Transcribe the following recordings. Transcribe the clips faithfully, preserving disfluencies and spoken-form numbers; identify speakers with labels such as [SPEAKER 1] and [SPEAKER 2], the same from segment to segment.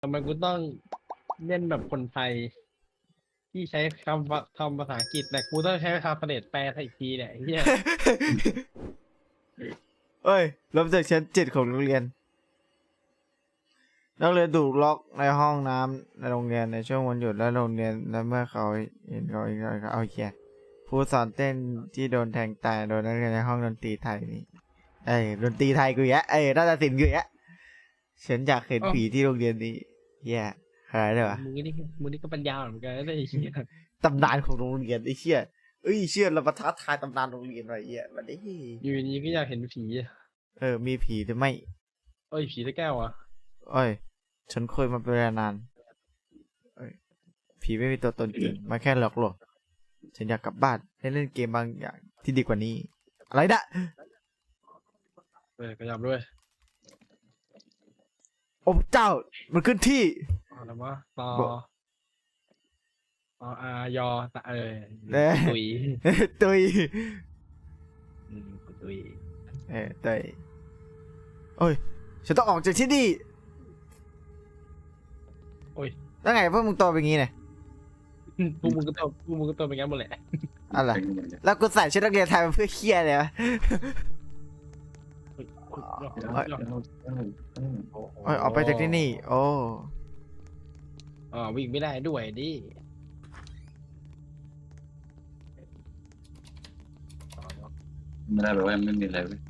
[SPEAKER 1] ทำไมกูต้องเล่นแบบคนไทยที่ใช้คำว่าคำภาษาอังกฤษแต่กูต้องใช้คำเสด็จแปลไทยอีกทีเนี่ยไอ้เฮีย
[SPEAKER 2] เอ้ยลบจากชั้นเจ็ดของโรงเรียนนักเรียนถูกล็อกในห้องน้ำในโรงเรียนในช่วงวันหยุดและโรงเรียนและเมื่อเขาเห็นเขาอีกแล้วเขาเอาเขียนผู้สอนเต้นที่โดนแทงตายโดนนักเรียนในห้องดนตรีไทยนี่เอ้ยดนตรีไทยกูแยะเอ้ยนาฏศิลป์กูแยะฉันอยากเห็นผีที่โรงเรียนนี้แย่อะไรเลยวะ
[SPEAKER 1] มึงนี่มึงนี่ก็ปัญญาเหมือนกันนะไอ้เฮีย
[SPEAKER 2] ตำนานของโรงเรียนไอ้เชี่ยเอ้ยเชี่ยเรามาท้าทายตำนานโรงเรียนหน่อยเอี้ยมาดิ
[SPEAKER 1] อยู่ดีก็อยากเห็นผีอะ
[SPEAKER 2] เออมีผีหรือไม่
[SPEAKER 1] เอ้ยผีตะแก้วอ่ะ
[SPEAKER 2] เอ้ยฉันเคยมาเป็นเวลานานเอ้ยผีไม่มีตัวตนจริงมาแค่หลอกหลอกฉันอยากกลับบ้านเล่นเล่นเกมบางอย่างที่ดีกว่านี้อะไรนะ
[SPEAKER 1] เออขยับด้วย
[SPEAKER 2] โอ้เจ้ามันขึ้นที่
[SPEAKER 1] เอาละวะต่อ
[SPEAKER 2] บอก
[SPEAKER 1] ต่ออายอตะเออ
[SPEAKER 2] เอ้ย
[SPEAKER 1] ตุย
[SPEAKER 2] ตุย
[SPEAKER 1] อืมตุย
[SPEAKER 2] เออตุยโอ้ยฉันต้องออกจากที่นี่
[SPEAKER 1] โอ้ย
[SPEAKER 2] แล้วไงพวกมึงโตเป็นงี้เนี่ย
[SPEAKER 1] พวกมึงก็ตัวพวกมึงก็ตัวเป็นงั้นหมดแหละ
[SPEAKER 2] อะไรแล้วกูใส่ชุดนักเรียนไทยมาเพื่อเคียเลยวะ
[SPEAKER 1] เฮ้ยเฮ้ย
[SPEAKER 2] เอ้ย
[SPEAKER 1] เฮ้ย
[SPEAKER 2] โอ้ยออกไปจากที่นี่ โอ้
[SPEAKER 1] อ๋อวิ่งไม่ได้ด้วยดิ
[SPEAKER 3] ไม่ได้แบบว่าไม่มีอะไรเว้ย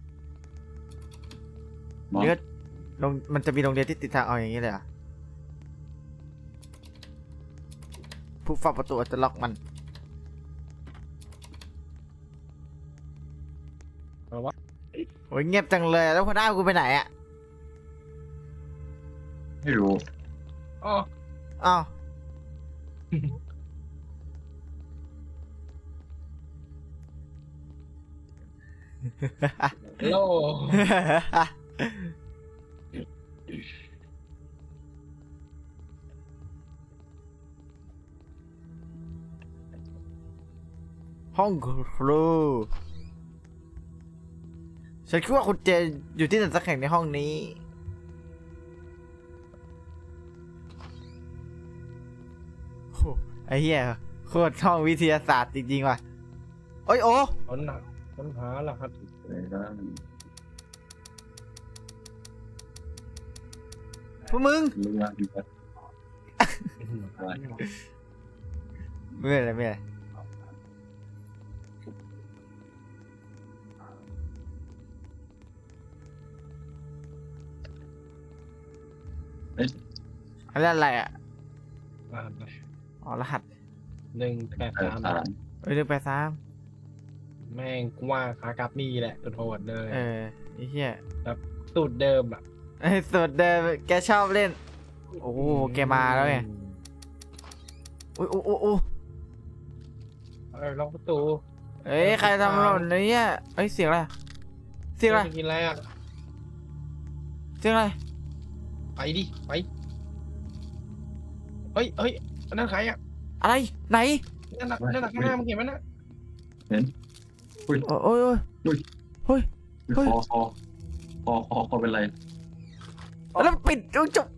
[SPEAKER 3] มอง
[SPEAKER 2] นี่ก็โรงมันจะมีโรงเรียนที่ติดทางเอาอย่างนี้เลยเหรอ่ะผู้เฝ้าประตูอาจจะล็อกมัน
[SPEAKER 1] เอาวะ
[SPEAKER 2] โอ้ยเงียบจังเลยแล้วหัวหน้ากูไปไหนอ่ะ
[SPEAKER 3] ไม่รู้
[SPEAKER 1] อ๋อ
[SPEAKER 2] อ้าว
[SPEAKER 1] โล
[SPEAKER 2] ห้องครูฉันคิดว่าคุณเจอยู่ที่ไหนสักแห่งในห้องนี้โอ้ไอ้เหี้ยโคตรห้องวิทยาศาสตร์จริงๆว่ะโอ้ยโอ้
[SPEAKER 1] ค้นหาค้นหารหัส
[SPEAKER 3] อะไรบ้าง
[SPEAKER 2] พวกมึง
[SPEAKER 3] รู้ว่ามีแบบอะไร
[SPEAKER 2] ไม่เป็นไรไม่เป็นไร
[SPEAKER 3] เอ๊ะ
[SPEAKER 2] อันนั้นอะไรอ่ะ
[SPEAKER 1] รหัสไป
[SPEAKER 2] อ๋อรหัส
[SPEAKER 1] หนึ่งแปด
[SPEAKER 3] เออ
[SPEAKER 1] สาม
[SPEAKER 3] สาร
[SPEAKER 2] เอ้ยเรื่องไปซ้
[SPEAKER 1] แม่งกว่าขากลับนี่แหละตัวโหดเลย
[SPEAKER 2] ำเออไอ้เหี้ย
[SPEAKER 1] สูตรเดิมอ่ะ
[SPEAKER 2] ไอ้สุดเดิมแกชอบเล่น โอ้โหแกมาแล้วไงโอ้ยโอ้โอ้โอ้
[SPEAKER 1] เออล็อกประตู
[SPEAKER 2] เอ้ยใครทำหล่นเนี่ยเอ้ยเสียงอะไรเสียงอะไร
[SPEAKER 1] จะกินอะไรอ่ะ
[SPEAKER 2] เสียงอะไร
[SPEAKER 1] ไปดิไปเฮ้ยเฮ้ยอันนั่นใครอ่ะ
[SPEAKER 2] อะไรไหน
[SPEAKER 1] นั่นน่ะนั่นน่ะข้างหน้ามึงเห็นไหมน่ะ
[SPEAKER 2] โอ้ยโอ้ยโอ้ย เฮ้ย
[SPEAKER 3] คอคอคอคอคอเป็นไร
[SPEAKER 2] แล้วปิดจบ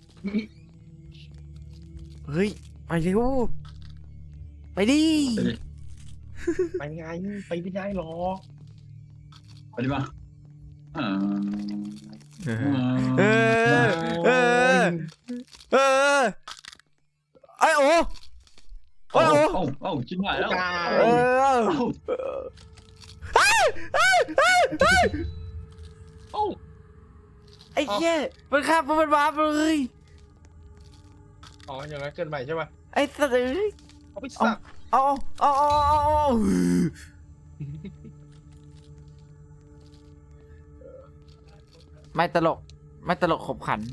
[SPEAKER 2] เฮ้ยไปเร็วไปดิ
[SPEAKER 1] ไปไงไปไม่ได้หรอก
[SPEAKER 3] ไปดิมาอ่า
[SPEAKER 2] เออเออเออเออไอ้โอ้ไอ้
[SPEAKER 3] เอ้า
[SPEAKER 2] โอ้
[SPEAKER 3] เอ้าเอ้าชิ้นหายแล้ว
[SPEAKER 2] เออ
[SPEAKER 3] เอ้า
[SPEAKER 1] โอ้
[SPEAKER 2] ไอ้เหี้ยมันข้ามมันวาร์ปเลย
[SPEAKER 1] อ๋ออย่างนั้นเกินไปใช่ป่ะ
[SPEAKER 2] ไอ้สัตว์เอ้ย
[SPEAKER 1] เอาไปสับ
[SPEAKER 2] เอาเอาเอาเอาเอาไม่ตลกไม่ตลกขบขัน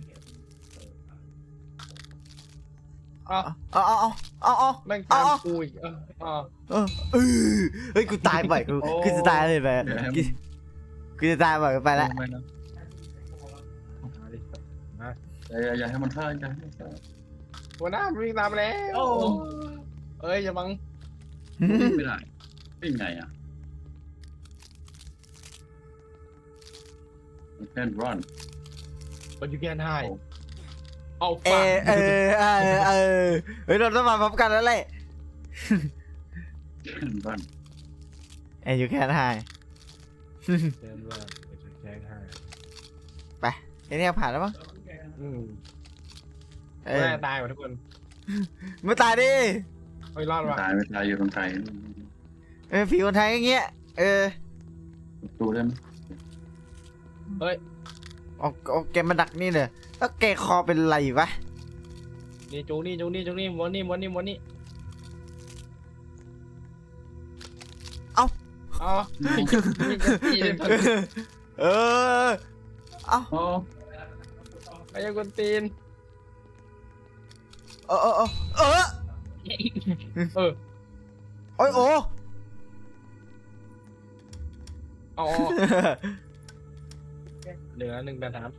[SPEAKER 1] อ๋อ
[SPEAKER 2] เอาเอาเอาเอาเอา
[SPEAKER 1] แม่งตามกูอีกเอออ๋อ
[SPEAKER 2] เออเออเฮ้ยกูตายบ่อยกู
[SPEAKER 1] โอ้
[SPEAKER 2] กูจะตายเลยไปกูกูจะตายบ่อยไปแล้ว
[SPEAKER 3] ไม่นะอย่าอย่าอย่าให้มันฆ่าอย่าให้มันฆ่า
[SPEAKER 1] หัวหน้ามันวิ่งตามมาแล้ว
[SPEAKER 3] โอ้
[SPEAKER 1] เอ้ยอย่าบัง
[SPEAKER 3] วิ่งไม่ได้วิ่งไงอ่ะ You can't run
[SPEAKER 1] but you can't hide เอา
[SPEAKER 2] เอ
[SPEAKER 1] ฟัง
[SPEAKER 2] อเออเออเออเฮ้ยเราต้องมาพร้อมกันแล้วแหละ
[SPEAKER 3] บ้าน
[SPEAKER 2] เอ้ยอยู่แค่ไหน
[SPEAKER 1] เดินว่าจะแจ้งให้
[SPEAKER 2] ไปไอ้เนี่ยผ่านแล้วมั้ง
[SPEAKER 1] อืม
[SPEAKER 2] เออ
[SPEAKER 1] แม่ตายหมดทุกคน
[SPEAKER 2] ไม่ตายดิ
[SPEAKER 1] เฮ้ยรอดว่ะ
[SPEAKER 3] ตายไม่ตายอยู่ตรงไทย
[SPEAKER 2] เออผีคนไทยอย่างเงี้ยเออ
[SPEAKER 3] ดูได้ไหม
[SPEAKER 1] เฮ้ย
[SPEAKER 2] เอาเอาแกมาดักนี่เลยแล้วแกคอเป็นไรวะ
[SPEAKER 1] นี่จูนี่จูนี่จูนี่ม้วนนี่ม้วนนี่ม้วนนี่
[SPEAKER 2] เอ้า
[SPEAKER 1] อ๋อนี่จะนี่จะตีเลยทัน
[SPEAKER 2] เออเอ้า
[SPEAKER 3] อ๋อ
[SPEAKER 1] ไอ้ยังคนตีน
[SPEAKER 2] เออเออเออเออ
[SPEAKER 1] เออ
[SPEAKER 2] โอ้ยโอ้
[SPEAKER 1] เอาออกเหลือหนึ่งแบบน้ำ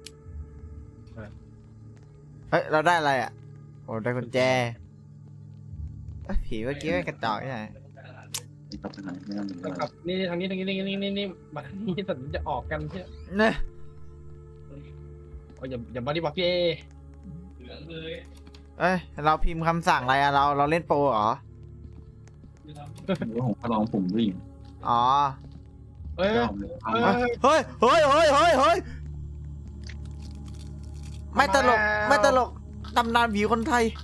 [SPEAKER 2] เฮ้ยเราได้อะไรอ่ะโอ้ได้กุญแจเอ้ยผีเมื่อกี้ไม่งกระจอกนี่ไง
[SPEAKER 3] กลับไปไหนไม่ต้อง
[SPEAKER 1] แล้วกลับนี่ทางนี้ทางนี้ทางนี้นี่นี่นี่มาทางนี้สันจะออกกันใช่
[SPEAKER 2] เนี่ย
[SPEAKER 1] โอ้ยอย่าอย่ามาดิบอกพี่เอเหลืองเลย
[SPEAKER 2] เอ้ยเราพิมพ์คำสั่งอะไรอะเราเราเล่นโปรเหรอ
[SPEAKER 3] ว่าผมก็ลองปุ่มวิ่ง
[SPEAKER 2] อ๋อ
[SPEAKER 1] เอ้ย
[SPEAKER 3] ยอมเลยเอา
[SPEAKER 1] เอ้ย
[SPEAKER 2] เฮ้ยเฮ้ยเฮ้ยเฮ้ยเฮ้ยไม่ตลกไม่ตลกตำนานผีคนไทย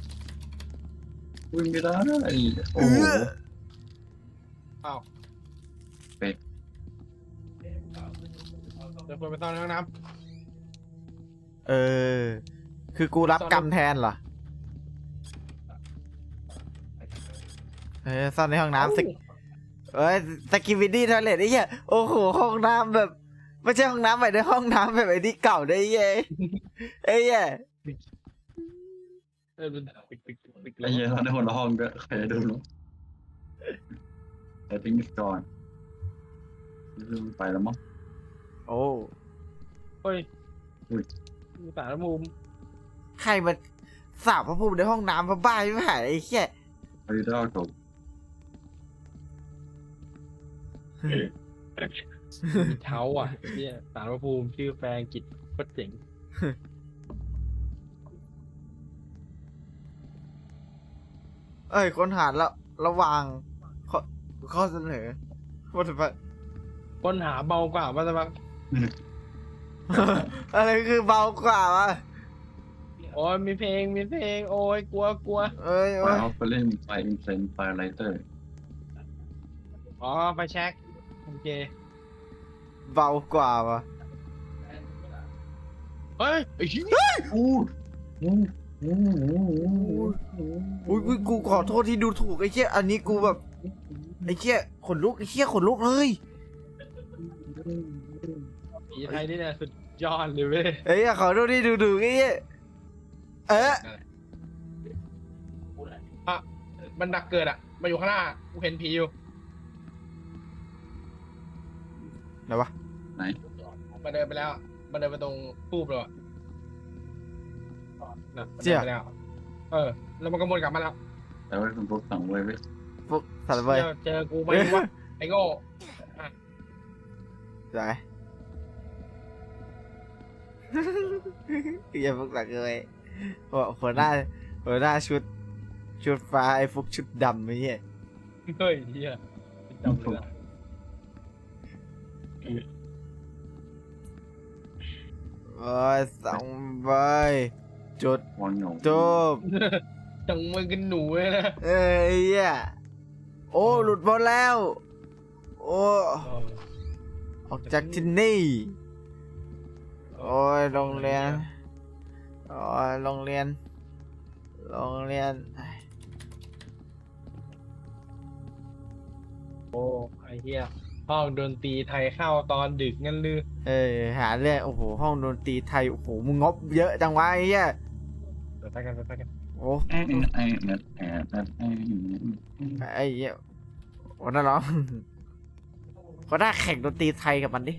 [SPEAKER 3] วิ่งไม่ได้โอ้โห
[SPEAKER 1] อ้าว
[SPEAKER 3] เป็ด
[SPEAKER 1] เดี๋ยวคนไปซ่อนในห้องน้
[SPEAKER 2] เออ คือกูรับกรรมแทนเหรอ เออซ่อนในห้อง
[SPEAKER 1] ำ
[SPEAKER 2] น้ำสกเอ้ยสกิวิดี้ทอยเลทไอ้เหี้ยโอ้โหห้องน้ำแบบไม่ใช่ห้องน้ำแบบในห้องน้ำแบบไอ้ที่เก่าได้เย้ยไอ้เหี้ย
[SPEAKER 1] เออมันปิดปิดปิดปิด
[SPEAKER 3] ไอ้เหี้ยเราในคนละห้องก็ใครจะดูเนาะแต่ทิ้งก่อนไปแล้วมั้ง
[SPEAKER 2] โอ้
[SPEAKER 1] เฮ้ย
[SPEAKER 3] อุ้ย
[SPEAKER 1] มีสารมุม
[SPEAKER 2] ใครมาสาบพระภูมิในห้องน้ำพระบ้าไม่หายไอ้เหี้ย
[SPEAKER 3] ไปได้จบ
[SPEAKER 1] มีเท้าอ่ะเนี่ยสารภูมิชื่อแฟนกิจโคตรเจ๋ง
[SPEAKER 2] เอ้ยค้นหาแล้วระหว่างข้อข้อเสนอว่าจะไป
[SPEAKER 1] ค้นหาเบากว่าว่าจะมา
[SPEAKER 2] อะไรคือเบากว่าวะ
[SPEAKER 1] โอ้ยมีเพลงมีเพลงโอ้ยกลัวกลัว
[SPEAKER 2] เอ้ย
[SPEAKER 3] ไป
[SPEAKER 2] โอ้ย
[SPEAKER 3] เอาไปเล่นไฟอินเซนไฟไลเตอร์
[SPEAKER 1] อ๋อไปแช็คโอเค
[SPEAKER 2] เบากว่าวะ
[SPEAKER 1] เฮ้ยไอ้ชี้
[SPEAKER 3] อู้อู้อู้อู้อู้
[SPEAKER 2] อุ้ยอุ้ยกูขอโทษที่ดูถูกไอ้เหี้ยอันนี้กูแบบไอ้เหี้ยขนลุกไอ้เหี้ยขนลุกเลย
[SPEAKER 1] ผีไทยนี่เนี่ยสุดยอดเลยเว้ย
[SPEAKER 2] ไอ้เหี้ยขอโทษที่ดูถูกไอ้เหี้ยเอ๊ะ
[SPEAKER 1] อ่ะมันดักเกิดอ่ะมาอยู่ข้างหน้ากูเห็นผีอยู่
[SPEAKER 2] ไหนวะ
[SPEAKER 3] ไหน
[SPEAKER 1] มันเดินไปแล้วมันเดินไปตรงทูบเลยอ่ะนะมันเดินไปแล้วเออแล้วมันก็วนกลับมาแล้ว
[SPEAKER 3] แต่ว่าคุณพวกสั่งไว้ไว้
[SPEAKER 2] พวกสัตว์เว้ย
[SPEAKER 1] เจอเจอกูไหมวะไอ้โง่
[SPEAKER 2] ไหน อย่าพวกสัตว์เลยหัวหัวหน้าหัวหน้าชุดชุดฟ้าไอ้พวกชุดดำไอ้เหี้ย
[SPEAKER 1] เฮ้ยเฮียจำเลยนะ
[SPEAKER 2] โอ้ยสองใบจุด
[SPEAKER 3] วางหนู
[SPEAKER 2] จบ
[SPEAKER 1] จังมือกันหนูเลยนะ
[SPEAKER 2] เอ้ยไอ้เหี้ยโอ้หลุดหมดแล้ว โอ้ออกจากที่นี่โอ้ยโรงเรียนโอ้ยโรงเรียนโรงเรียน
[SPEAKER 1] โอ้ไอ้เฮียห้องดนตรีไทยเข้าตอนดึกงั้นลือ
[SPEAKER 2] เอ้ยหาเรื่องโอ้โหห้องดนตรีไทยโอ้โหมึงงบเยอะจังวะไอ้เหี้ย
[SPEAKER 1] เดี๋ยวไปกันเดี๋ยวไปกัน
[SPEAKER 2] โอ้
[SPEAKER 3] ไอ้ไอ้เน็ตแอดไอ้
[SPEAKER 2] ไอ้เหี้ยโอ้น่าร้องเขาได้แข่งดนตรีไทยกับมันดิ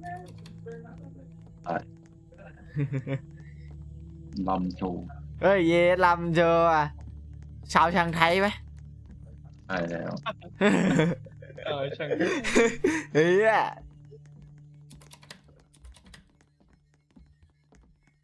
[SPEAKER 3] ลำโชว์
[SPEAKER 2] เอ้ยเยลำเจออ่ะชาวชางไทยไหม
[SPEAKER 3] ใช่แล้ว
[SPEAKER 1] เออช่าง
[SPEAKER 2] เฮ้ย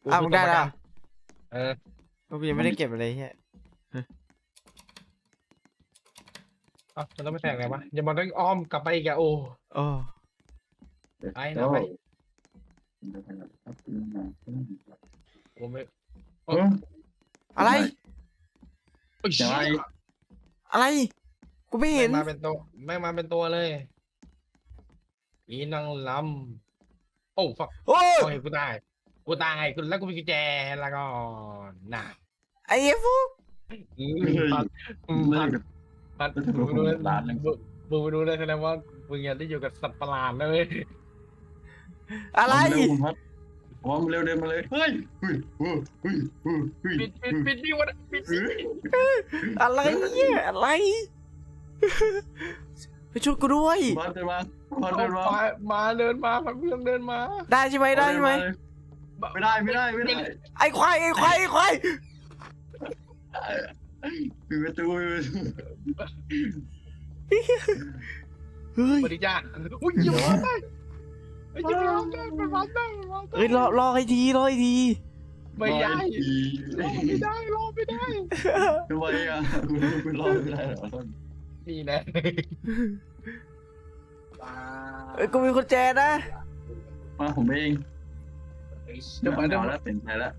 [SPEAKER 1] กู
[SPEAKER 2] อ้าว
[SPEAKER 1] คื
[SPEAKER 2] มึ
[SPEAKER 1] อง ตัว
[SPEAKER 2] ได้
[SPEAKER 1] ประ
[SPEAKER 2] แล้
[SPEAKER 1] กั
[SPEAKER 2] วน
[SPEAKER 1] เออ
[SPEAKER 2] กูยังไม่ได้เก็บอะไรเฮีย
[SPEAKER 1] เอ้ามันต้องไปแทงไงวะอย่ามาต้องอ้อมกลับไปอีกอะโอ้
[SPEAKER 2] โอ้
[SPEAKER 1] ไปนะไป
[SPEAKER 3] เ
[SPEAKER 1] กูไม่
[SPEAKER 3] ออ
[SPEAKER 2] อะไร
[SPEAKER 1] โอ้ย
[SPEAKER 3] ใช่
[SPEAKER 2] อะไรกูไม่
[SPEAKER 1] แม่
[SPEAKER 2] เห็
[SPEAKER 1] ง
[SPEAKER 2] น
[SPEAKER 1] มาเป็นตัวแม่งมาเป็นตัวเลยอีนางลำโอ้ฟัก
[SPEAKER 2] โอ้ย
[SPEAKER 1] โอ้ยกูตายกูตายกูแล้วกูมีกุญแจแล้วก็น่ะ
[SPEAKER 2] ไอ้เหี้ยฟุก
[SPEAKER 1] อืมพัดอืม
[SPEAKER 3] เลิ
[SPEAKER 1] พั
[SPEAKER 3] ก
[SPEAKER 1] ด
[SPEAKER 3] กับ
[SPEAKER 1] พัด
[SPEAKER 3] แล้วจะโด
[SPEAKER 1] มึ
[SPEAKER 3] น
[SPEAKER 1] ง
[SPEAKER 3] คน
[SPEAKER 1] ดู
[SPEAKER 3] ร้านหนึ่ง
[SPEAKER 1] มึงมึงไปดูเลยแสดงว่ามึงอยากได้อยู่กับสัตว์ประหลาดเลย
[SPEAKER 2] อะไร
[SPEAKER 3] เร็วคุณพัดว่ามันเร็วเดินมาเลยเฮ้ยเฮ้ยเฮ้ยเฮ้ยเฮ้ยเฮ้ย
[SPEAKER 1] ปิดปิดปิดดิวะปิด
[SPEAKER 3] เฮ้ย
[SPEAKER 2] อะไรเนี่ยอะไรไปช่วยกูด้วย
[SPEAKER 3] พัดเดินมาพัด
[SPEAKER 1] เอา
[SPEAKER 3] เดินมา
[SPEAKER 1] มามาเดินมาพักเพื่อนเดินมา
[SPEAKER 2] ได้ใช่ไหมได้ใช่ไหม
[SPEAKER 3] ไม่ได้ไม่ได้ไม่ได้
[SPEAKER 2] ไอ้ควายไอ้ควายไอ้ควาย
[SPEAKER 3] ปิดประตูปิดประตู
[SPEAKER 2] เฮ้ย
[SPEAKER 1] สวัสดีจ้าอุ้ยยังมาได้ไอ้ยังมาได้มันมาได้มันมาได้
[SPEAKER 2] เฮ้ยรอรอให้ทีรอให้ที
[SPEAKER 1] ไม่ได้
[SPEAKER 3] อี
[SPEAKER 1] รอไม่ได้รอไม่ได้
[SPEAKER 3] ทำไมอ่ะคุณคุณรอไม่ได้เหรอ
[SPEAKER 1] นี่นะ
[SPEAKER 2] เอ้ยกูมีกุญแจนะ
[SPEAKER 3] มาผมเอง
[SPEAKER 1] เดี๋ยวมาเดี๋ยว
[SPEAKER 3] เอา
[SPEAKER 1] มา
[SPEAKER 3] แล้วเป็นใจแล้ว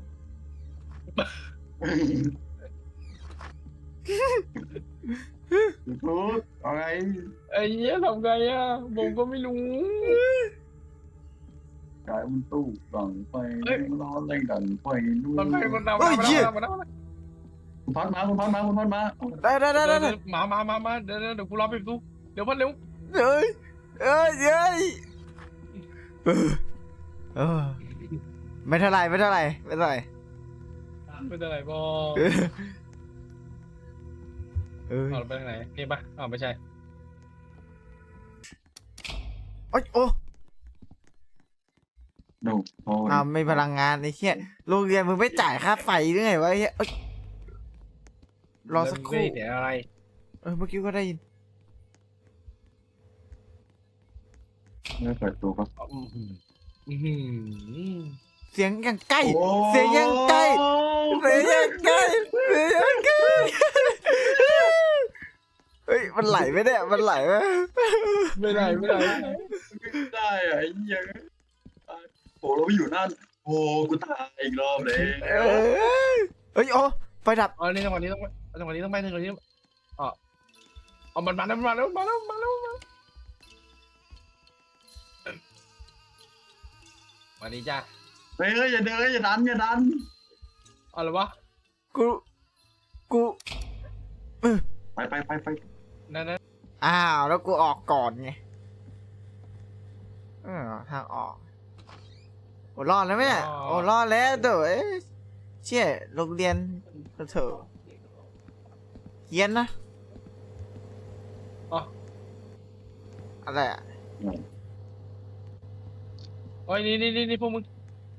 [SPEAKER 3] พูดอะไร
[SPEAKER 1] ไอ้เหี้ยทำไงอ่ะผมก็ไม่รู้
[SPEAKER 3] กายมันตู้ดังไฟร้อนแรงดังไฟด้วย
[SPEAKER 1] มันไปมันเอามันเอามันเอามันเอา
[SPEAKER 3] คุณพัดมาคุณพัดมาคุณพัดมา
[SPEAKER 2] ได้ได้ได้
[SPEAKER 1] เดี๋ยว
[SPEAKER 2] ได้
[SPEAKER 1] มามามามาเดี๋ยวเดี๋ยวกูรอไปดูเดี๋ยวพัดเร็ว
[SPEAKER 2] เฮ้ยเฮ้ยเฮ้ยเออเออไม่เท่าไหรไม่เท่าไหรไม่เท่าไหร
[SPEAKER 1] ไม่เป็นไรบอ
[SPEAKER 2] เออเอ้ย
[SPEAKER 1] เอาไปทางไหนนี่ปะอ้าวไม่ใช่
[SPEAKER 2] โอ๊ยโอ้
[SPEAKER 3] ดูโอ้ย
[SPEAKER 2] อ้าวไม่พลังงานไอ้เหี้ยโรงเรียนมึงไม่จ่ายค่าไฟหรือไงวะไอ้เหี้ยเอ้ยรอสักครู่
[SPEAKER 1] เดี๋ยวอะไร
[SPEAKER 2] เออเมื่อกี้ก็ได้ยิน
[SPEAKER 3] ไม่เปิดตัวก็
[SPEAKER 1] อือหืออือหือ
[SPEAKER 2] เสียงยังใกล้ เสียงยังใกล้ เสียงยังใกล้เสียงยังใกล้เฮ้ยมันไหลไหมเนี่ยมันไหลไหม
[SPEAKER 1] ไม่ได้ไม่ได้
[SPEAKER 3] ไม่ได้อะไอ้ยังโอ้เราไปอยู่นั่นโอ้กูตายอีกรอบเลย
[SPEAKER 2] เอ้ยเฮ้ยโอ้ไฟดับ
[SPEAKER 1] อ๋อนี่จังหวะนี้ต้องไปจังหวะนี้ต้องไปจังหวะนี้อ๋อเอามันมาแล้วมาแล้วมาแล้วมาแล้วมาสวัสดีจ้า
[SPEAKER 3] เฮ้ยอย่าเดินอย่าดันอย่าดัน
[SPEAKER 1] เอาละวะ
[SPEAKER 2] กูกู
[SPEAKER 3] ไปไปไปไป
[SPEAKER 1] นั่นนั่น
[SPEAKER 2] อ้าวแล้วกูออกก่อนไงเออทางออกโอ้รอดแล้วไหมเนี่ยโอ้รอดแล้วเด้อเอ้ยเชี่ยโรงเรียนเถอะเฮียนนะ
[SPEAKER 1] อ๋อ
[SPEAKER 2] อะไรอ่ะ
[SPEAKER 1] โอ้ยนี่นี่นี่นี่พวกมึง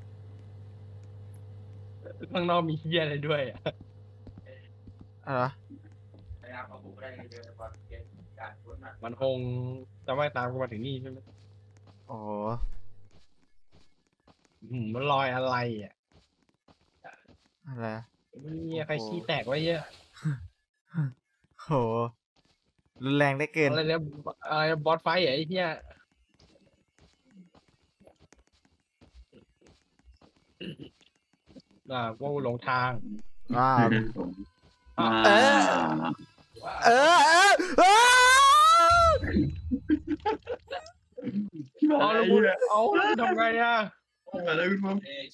[SPEAKER 1] ข้างนอกมีเฮียอะไรด้วยอ่ะ
[SPEAKER 2] อะไรวะ
[SPEAKER 1] มันคงจะไม่ตามกูมาถึงนี่ใช่ไหม
[SPEAKER 2] โอ้โห
[SPEAKER 1] อืมมันลอยอะไรอ่ะ
[SPEAKER 2] อะไรอะ
[SPEAKER 1] นี่ใครขี้แตกไว้เยอะ
[SPEAKER 2] โหรุนแรงได้เกิน
[SPEAKER 1] อะไรเนี่ยอะไรบอสไฟท์เหรอไอ้เหี้ยอ่าว่าหลงทาง
[SPEAKER 2] ว้าว
[SPEAKER 3] อ่า
[SPEAKER 2] เออ เออเออเออ
[SPEAKER 1] เอาแล้วกูเอาแล้วกูทำไงอ่ะ
[SPEAKER 3] มาแล้วคุณพ่อ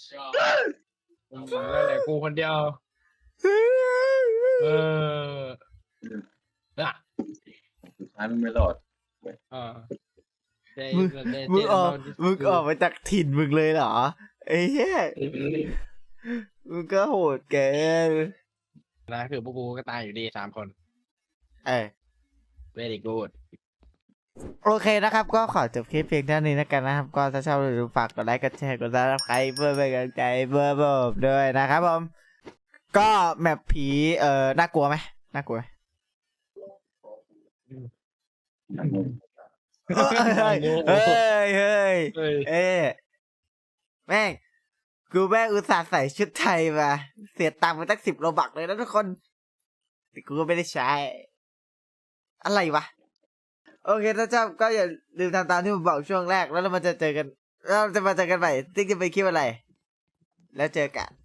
[SPEAKER 1] นั่นแหละกูคนเดียวเอออ่ะ
[SPEAKER 3] สุดท้ายมันไม่รอด
[SPEAKER 1] อ่า
[SPEAKER 2] มึงมึงออกมึงออกมาจากถิ่นมึงเลยเหรอไอ้เหี้ยมึงก็โหดเกิน
[SPEAKER 1] นะคือพวกกูก็ตายอยู่ดีสามคน
[SPEAKER 2] เอ้ย
[SPEAKER 1] very good
[SPEAKER 2] โอเคนะครับ ก็ขอจบคลิปเพียงเท่านี้นะกันนะครับ ก็ถ้าชอบหรือฝากกดไลค์กดแชร์กดซับสไครป์เพื่อเป็นกำลังใจเพื่อผมด้วยนะครับผม ก็แมปผีเอ่อน่ากลัวไหมน่ากลัวไหมเฮ้ยเฮ้ยเฮ้ย
[SPEAKER 1] เฮ้ย
[SPEAKER 2] เอ้ยแม่งกูแม่งอุตส่าห์ใส่ชุดไทยมาเสียตังค์ไปตั้งสิบโลบักเลยนะทุกคนแต่กูก็ไม่ได้ใช้ อะไรวะ โอเคถ้าชอบก็อย่าลืมทำตามที่ผมบอกช่วงแรกแล้วเรามาจะเจอกันเราจะมาเจอกันใหม่ติ๊กจะไปคลิปอะไร แล้วเจอกัน